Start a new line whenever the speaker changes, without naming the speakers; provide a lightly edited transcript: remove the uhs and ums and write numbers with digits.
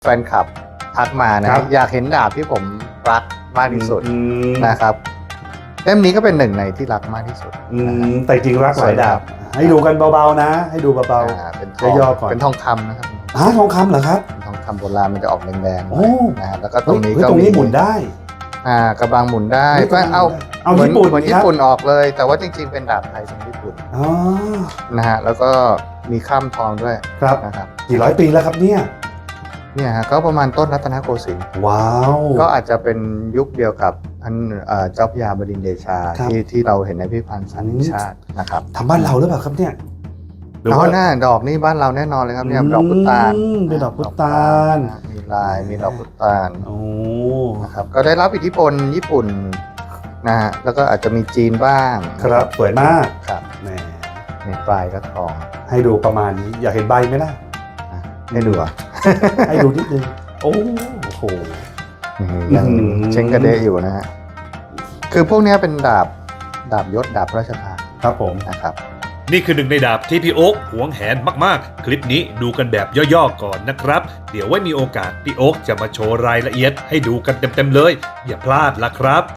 แฟนคลับทักมานะอยากเห็นดาบที่ผมรักมากที่สุดนะครับเล่มนี้ก็เป็นหนึ่งในที่รักมากที่สุด
แต่จริงรักหลายดาบให้ดูกันเบาๆนะให้ดูเบา
ๆเป็นทองก่อนเป็นทองคำนะครับ
ทองคำเหรอครับ
ทองคำโบราณมันจะออกแดงๆนะแล้วก็ต
รงนี้หมุนได้
กระบังหมุนได้ก็เอาเหมือนญี่ปุ่นออกเลยแต่ว่าจริงๆเป็นดาบไทยทรงญี่ปุ่นนะฮะแล้วก็มีข้ามทองด้วย
ครับ
นะครับ
กี่ร้อยปีแล้วครับเนี่ย
ฮะก็ประมาณต้นรัตนโกสินทร์
ว้าว
ก็อาจจะเป็นยุคเดียวกับท่านเจ้าพระยาบดินทร์เดชาที่เราเห็นในพิพิธภัณฑ์สถานแห่งชาตินะครับ
ทำบ้านเราหรือเปล่าครับเนี่ย
หน้าดอกนี่บ้านเราแน่นอนเลยครับเนี่ยดอกพุตาน
เป็นดอกพุตาน
มีลายมีดอกพุตานนะครับก็ได้รับอิทธิพลญี่ปุ่นนะฮะแล้วก็อาจจะมีจีนบ้าง
ครับสวยมาก
ครับ
แหม
มีปลายก็ทอง
ให้ดูประมาณนี้อยากเห็นใบไหมล่ะ
ให้ดู
ให้ดูนิดนึงโอ้โห
ยังเช้งกระเดะอยู่นะฮะคือพวกนี้เป็นดาบยศดาบราชทาน
ครับผม
นะครับ
นี่คือหนึ่งในดาบที่พี่โอ๊คหวงแหนมากๆคลิปนี้ดูกันแบบย่อๆก่อนนะครับเดี๋ยวไว้มีโอกาสพี่โอ๊คจะมาโชว์รายละเอียดให้ดูกันเต็มๆเลยอย่าพลาดล่ะครับ